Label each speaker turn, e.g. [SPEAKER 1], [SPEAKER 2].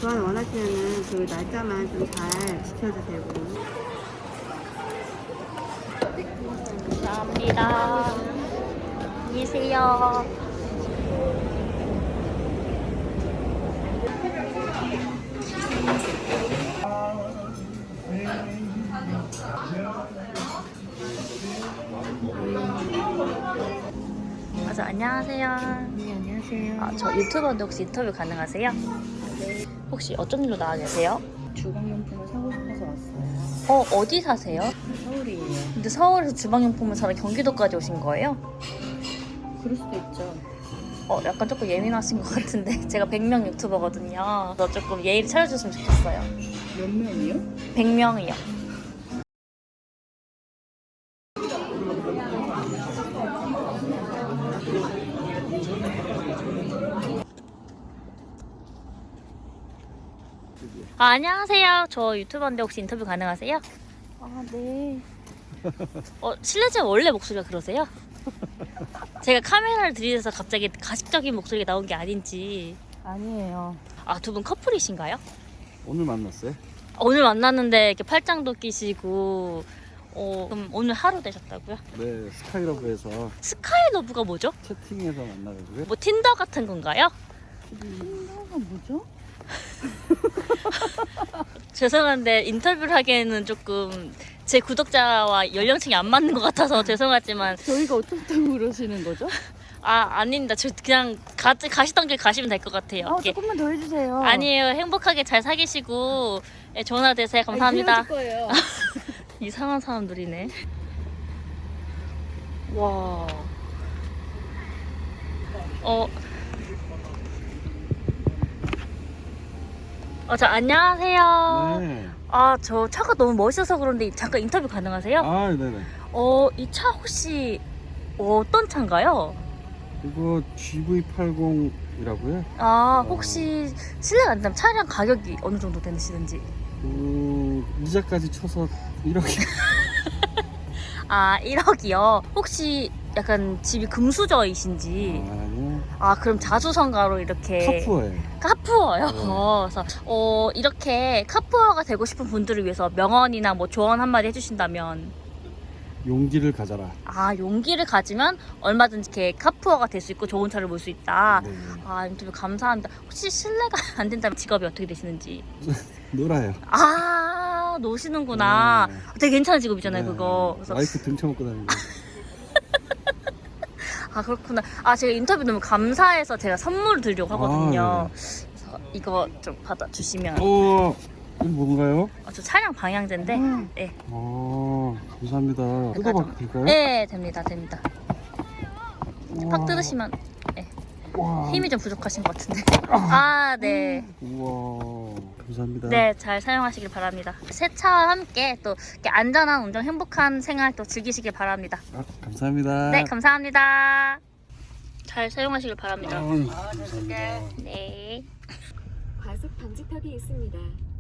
[SPEAKER 1] 교환 원하시면은 그 날짜만 좀 잘 지켜주세요.
[SPEAKER 2] 감사합니다. 안녕히 계세요. 안녕하세요.
[SPEAKER 1] 네, 안녕하세요.
[SPEAKER 2] 저 유튜버인데 혹시 인터뷰 가능하세요?
[SPEAKER 1] 네.
[SPEAKER 2] 혹시 어쩐 일로 나와 계세요?
[SPEAKER 1] 주방용품을 사고 싶어서 왔어요.
[SPEAKER 2] 어디 사세요?
[SPEAKER 1] 서울이에요.
[SPEAKER 2] 근데 서울에서 주방용품을 사러 경기도까지 오신 거예요?
[SPEAKER 1] 그럴 수도 있죠.
[SPEAKER 2] 약간 조금 예민하신 것 같은데 제가 100명 유튜버거든요. 그래서 조금 예의를 차려주셨으면 좋겠어요.
[SPEAKER 1] 몇 명이요?
[SPEAKER 2] 100명이요. 안녕하세요. 저 유튜버인데 혹시 인터뷰 가능하세요?
[SPEAKER 1] 네.
[SPEAKER 2] 실례지만 원래 목소리가 그러세요? 제가 카메라를 들이대서 갑자기 가식적인 목소리가 나온 게 아닌지.
[SPEAKER 1] 아니에요.
[SPEAKER 2] 두 분 커플이신가요?
[SPEAKER 3] 오늘 만났어요?
[SPEAKER 2] 오늘 만났는데 이렇게 팔짱도 끼시고 그럼 오늘 하루 되셨다고요?
[SPEAKER 3] 네, 스카이러브에서
[SPEAKER 2] 스카이러브가 뭐죠?
[SPEAKER 3] 채팅해서 만나가지고요.
[SPEAKER 2] 뭐 틴더 같은 건가요?
[SPEAKER 1] 틴더가 뭐죠?
[SPEAKER 2] 죄송한데 인터뷰를 하기에는 조금 제 구독자와 연령층이 안 맞는 것 같아서 죄송하지만
[SPEAKER 1] 저희가 어떻다고 그러시는 거죠?
[SPEAKER 2] 아닙니다. 저 그냥 가시던 길 가시면 될 것 같아요. 이렇게.
[SPEAKER 1] 조금만 더 해주세요.
[SPEAKER 2] 아니에요. 행복하게 잘 사귀시고 좋은 하루 되세요. 감사합니다.
[SPEAKER 1] 헤어질 거예요.
[SPEAKER 2] 이상한 사람들이네. 와. 안녕하세요.
[SPEAKER 3] 네.
[SPEAKER 2] 저 차가 너무 멋있어서 그런데 잠깐 인터뷰 가능하세요?
[SPEAKER 3] 네네.
[SPEAKER 2] 이 차 혹시 어떤 차인가요?
[SPEAKER 3] 이거 GV80이라고요?
[SPEAKER 2] 혹시 실례가 안 되면 차량 가격이 어느 정도 되시는지?
[SPEAKER 3] 이자까지 쳐서 1억이.
[SPEAKER 2] 1억이요? 혹시 약간 집이 금수저이신지?
[SPEAKER 3] 아니요.
[SPEAKER 2] 그럼 자수성가로 이렇게
[SPEAKER 3] 카푸어예요.
[SPEAKER 2] 카푸어요?
[SPEAKER 3] 네.
[SPEAKER 2] 그래서 이렇게 카푸어가 되고 싶은 분들을 위해서 명언이나 뭐 조언 한마디 해주신다면?
[SPEAKER 3] 용기를 가져라.
[SPEAKER 2] 용기를 가지면 얼마든지 이렇게 카푸어가 될 수 있고 좋은 차를 몰 수 있다.
[SPEAKER 3] 네.
[SPEAKER 2] 인터뷰 감사합니다. 혹시 실례가 안 된다면 직업이 어떻게 되시는지?
[SPEAKER 3] 놀아요.
[SPEAKER 2] 노시는구나.
[SPEAKER 3] 네.
[SPEAKER 2] 되게 괜찮은 직업이잖아요,
[SPEAKER 3] 네.
[SPEAKER 2] 그거. 그래서
[SPEAKER 3] 와이프 등쳐먹고 다니고.
[SPEAKER 2] 그렇구나. 제가 인터뷰 너무 감사해서 제가 선물을 드리려고 하거든요. 그래서 이거 좀 받아주시면.
[SPEAKER 3] 이거 뭔가요?
[SPEAKER 2] 저 차량 방향제인데. 네.
[SPEAKER 3] 감사합니다. 뜯어봐도 될까요?
[SPEAKER 2] 네, 됩니다.
[SPEAKER 3] 우와.
[SPEAKER 2] 팍 뜯으시면
[SPEAKER 3] 우와.
[SPEAKER 2] 힘이 좀 부족하신 것 같은데. 네.
[SPEAKER 3] 우와, 감사합니다.
[SPEAKER 2] 네, 잘 사용하시길 바랍니다. 새 차와 함께 또 이렇게 안전한 운전, 행복한 생활 또 즐기시길 바랍니다.
[SPEAKER 3] 감사합니다.
[SPEAKER 2] 네, 감사합니다. 잘 사용하시길 바랍니다.
[SPEAKER 3] 감사합니다.
[SPEAKER 2] 네.
[SPEAKER 4] 과속 방지턱이 있습니다.